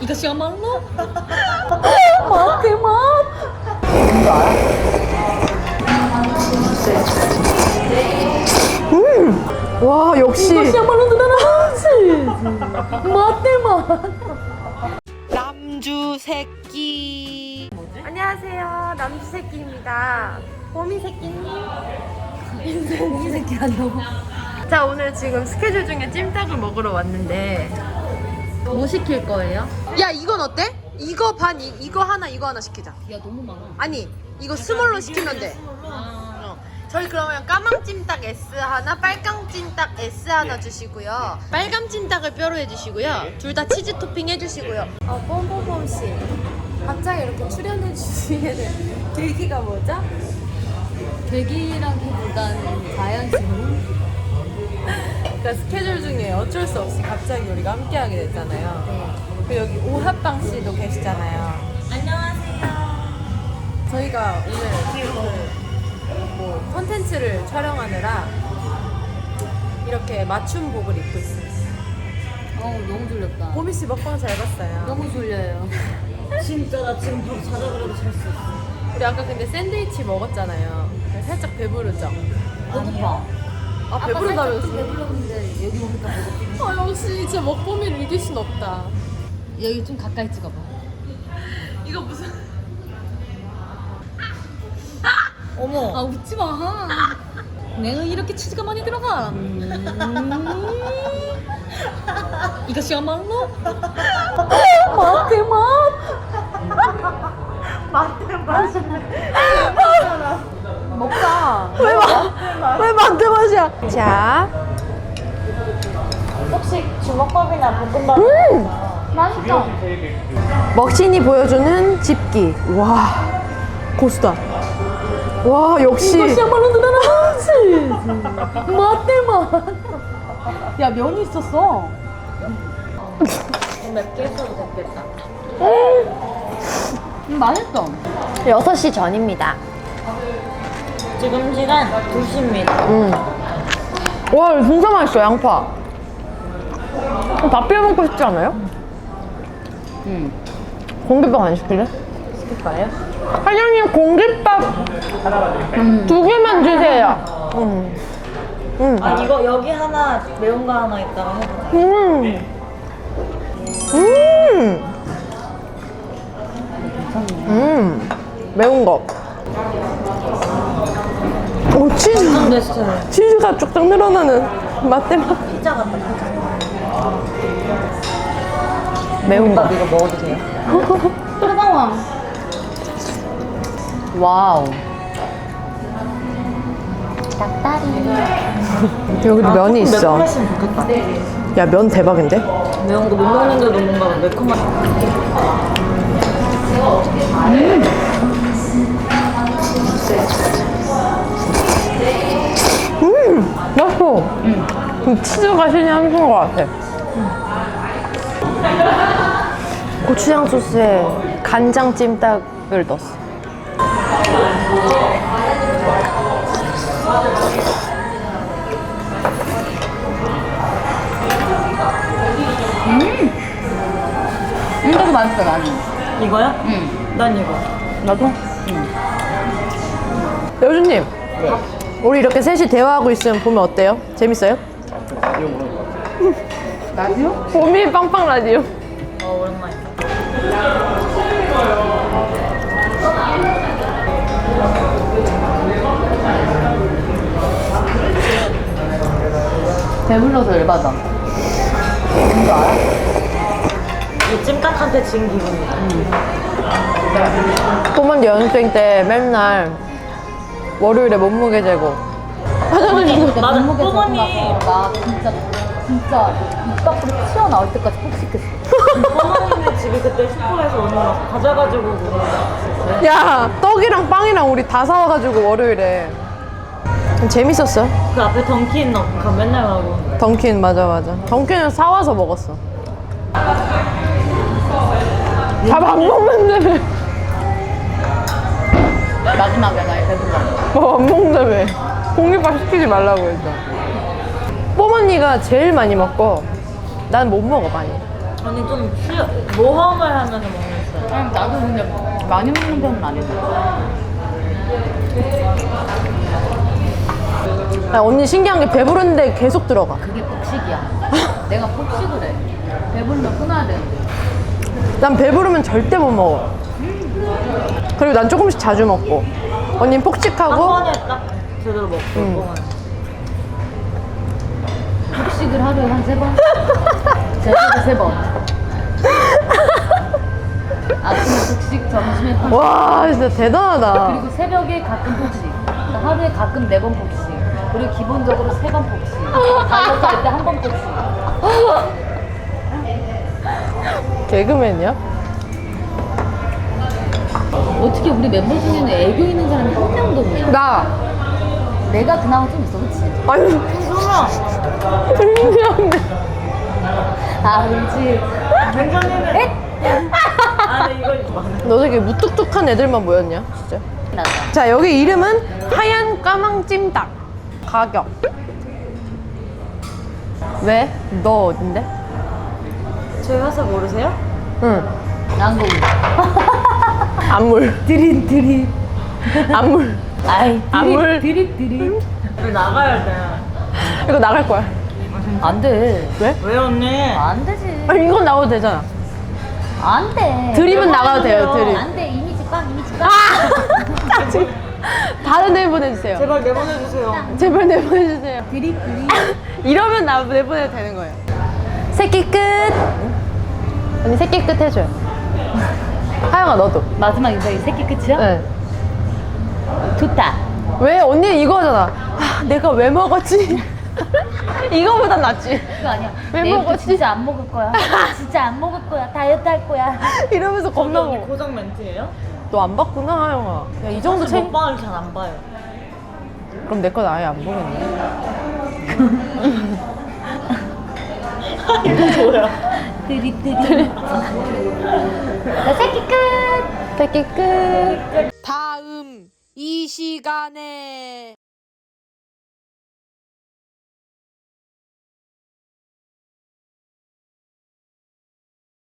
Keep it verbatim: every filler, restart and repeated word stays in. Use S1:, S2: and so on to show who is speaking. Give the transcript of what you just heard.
S1: 이것이야말로 맛의 맛.
S2: 음! 와, 역시
S1: 이것이야말로 누나는 치즈 맛의 맛.
S2: 남주 새끼. 안녕하세요, 남주 새끼입니다. 봄이 새끼님.
S1: 이 새끼 아니라고.
S2: 자, 오늘 지금 스케줄 중에 찜닭을 먹으러 왔는데
S1: 뭐 시킬 거예요?
S2: 야, 이건 어때? 이거 반, 이, 이거 하나, 이거 하나 시키자.
S1: 야 너무 많아.
S2: 아니, 이거 스몰로 시키면 돼. 어. 저희 그러면 까망 찜닭 S 하나, 빨강 찜닭 S 하나 주시고요. 빨간 찜닭을 뼈로 해주시고요. 둘 다 치즈 토핑 해주시고요. 어, pompomom 씨, 갑자기 이렇게 출연해 주시는 계기가 뭐죠?
S1: 계기라기보다는 자연스러운.
S2: 그러니까 스케줄 중에 어쩔 수 없이 갑자기 우리가 함께하게 됐잖아요.
S1: 네.
S2: 그리고 여기 오합방 씨도 계시잖아요.
S1: 안녕하세요.
S2: 저희가 오늘 그, 뭐 컨텐츠를 촬영하느라 이렇게 맞춤복을 입고 있어요.
S1: 어우 너무 졸렸다.
S2: 보미 씨 먹방 잘 봤어요.
S1: 너무 졸려요.
S3: 진짜 나 지금 바로 자자 그래도 잘 수 있어.
S2: 우리 아까 근데 샌드위치 먹었잖아요. 살짝 배부르죠?
S1: 배고파.
S2: 아, 배부르다면서?
S1: 배불렀는데 여기 오니까 배고파.
S2: 아, 역시 진짜 먹보미를 이길 순 없다.
S1: 여기 좀 가까이 찍어봐.
S2: 이거 무슨
S1: 어머. 아 웃지 마. 내가 이렇게 치즈가 많이 들어가. 음. 이것이야말로 맛의 맛.
S2: 먹자. 왜 맛? 왜 만두 맛이야? 자,
S3: 혹시 주먹밥이나 볶음밥
S1: 맛있다.
S2: 먹신이 보여주는 집기. 와, 고수다. 와, 역시.
S1: 이것이야말로 누나는 치즈 맛의 맛. 야 면이 있었어.
S3: 맵게 했어도 됐겠다.
S1: 음, 맛있어.
S2: 여섯 시 전입니다.
S3: 지금 시간 두 시입니다.
S2: 음. 와, 이거 진짜 맛있어, 양파. 밥 비벼 먹고 싶지 않아요?
S1: 응.
S2: 공깃밥 안 시킬래?
S3: 시킬까요?
S2: 사장님, 공깃밥 두 개만 주세요. 음. 음.
S3: 아 이거 여기 하나 매운 거 하나 있다가 해보자.
S2: 음. 음. 음. 매운 거. 오, 치즈.
S3: 완성됐어요.
S2: 치즈가 쭉쭉 늘어나는 맛대 맛.
S3: 피자 같다 피자.
S2: 매운 거.
S3: 밥 이거 먹어도 돼요?
S1: 뜨거워. 와우.
S2: 여기도 면이 있어.
S3: 매콤했으면 좋겠다.
S2: 야, 면 대박인데?
S3: 매운 거 못 먹는데도 뭔가 매콤한.
S2: 음, 맛있어. 음. 치즈가 신이 한 수인 것 같아. 고추장 소스에 간장 찜닭을 넣었어.
S1: 이것도 맛있어 나는.
S3: 이거야?
S1: 응.
S3: 난 이거.
S2: 나도? 여주님, 우리 이렇게 셋이 대화하고 있으면 보면 어때요? 재밌어요?
S1: 라디오?
S2: 봄이 빵빵 라디오.
S3: 어 오랜만이다.
S1: 배불러서 열받아. 뭔지 알아?
S3: 이 찜닭한테 진 기분이다.
S2: 뽀먼 연습생 때 맨날 월요일에 몸무게 재고.
S1: 그러니까
S3: 맞아,
S1: 몸무게 재고
S3: 어머니.
S1: 나서 나 진짜 진짜 입 밖으로 튀어나올 때까지 폭식했어.
S3: 어머님네 집이 그때 슈퍼에서 오늘 막 가져가지고 그거.
S2: 야, 떡이랑 빵이랑 우리 다 사와가지고 월요일에. 재밌었어.
S3: 그 앞에 던킨 넣고 맨날 가고.
S2: 던킨, 맞아, 맞아. 던킨을 사와서 먹었어. 밥 안 먹는다며.
S1: 마지막에 나 배불러.
S2: 밥 안 먹는다며. 공깃밥 시키지 말라고 했죠. 뽀언니가 제일 많이 먹고 난 못 먹어, 많이.
S3: 언니 좀 쉬, 모험을 하면서 먹는 스타일.
S1: 아니, 나도 근데 많이 먹는 편은 아니야.
S2: 아, 언니 신기한 게 배부른데 계속 들어가.
S1: 그게 폭식이야. 내가 폭식을 해. 배부르면 끊어야 되는데.
S2: 난 배부르면 절대 못 먹어. 그리고 난 조금씩 자주 먹고. 언니는
S3: 한
S2: 폭식하고.
S3: 번에 딱 제대로 먹고.
S2: 음.
S3: 뽕은.
S1: 폭식을 하루에 한 세 번? 제주도 세 번. 아침에 폭식, 점심에 폭식.
S2: 와, 진짜 대단하다.
S1: 그리고 새벽에 가끔 폭식. 하루에 가끔 네 번 폭식. 그리고 기본적으로 세 번 폭식. 다이어트 할 때 한 번 폭식.
S2: 개그맨이야?
S1: 어떻게 우리 멤버 중에는 애교 있는 사람이 한 명도 없냐?
S2: 나.
S1: 내가 그나마 좀 있어, 그치?
S2: 아유, 신기한데.
S1: 아, 그렇지.
S3: 괜찮네. 아, 근데 이거 많아.
S2: 너 되게 무뚝뚝한 애들만 모였냐, 진짜.
S1: 나다.
S2: 자, 여기 이름은 하얀 까망 찜닭. 가격. 왜? 너 어딘데?
S3: 저희 회사 모르세요?
S2: 응.
S1: 난고
S2: 안물.
S1: 드림, 드림.
S2: 안물.
S1: 아이,
S2: 안물.
S1: 드립, 드립.
S3: 우리 나가야 돼.
S2: 이거 나갈 거야.
S1: 안 돼.
S2: 왜?
S3: 왜 언니?
S1: 안 되지.
S2: 아니, 이건 나가도 되잖아.
S1: 안 돼.
S2: 드립은 나가도 돼요, 드립.
S1: 안 돼. 이미지 꽉, 이미지 꽉.
S2: 아! 지금 다른 애 보내주세요.
S3: 제발 내보내주세요.
S2: 제발 내보내주세요.
S1: 드립, 드립.
S2: 이러면 나 내보내도 되는 거예요. 새끼 끝. 언니 새끼 끝 해줘요. 하영아 너도.
S1: 마지막 인사이 새끼 끝이야?
S2: 네.
S1: 좋다.
S2: 왜 언니 이거잖아. 아, 내가 왜 먹었지? 이거보단 낫지.
S1: 그거 아니야.
S2: 왜
S1: 내일부터
S2: 먹었지?
S1: 진짜 안 먹을 거야. 진짜 안 먹을 거야. 다이어트 할 거야.
S2: 이러면서 겁나
S3: 언니
S2: 먹어.
S3: 고정 멘트예요?
S2: 너 안 봤구나 하영아. 야, 이 정도 책.
S3: 먹방을 잘 안 봐요.
S2: 그럼 내 건 아예 안 보겠네.
S3: 이거 뭐야?
S1: 드립, 드립. 나 새끼 끝.
S2: 새끼 끝.
S4: 다음 이 시간에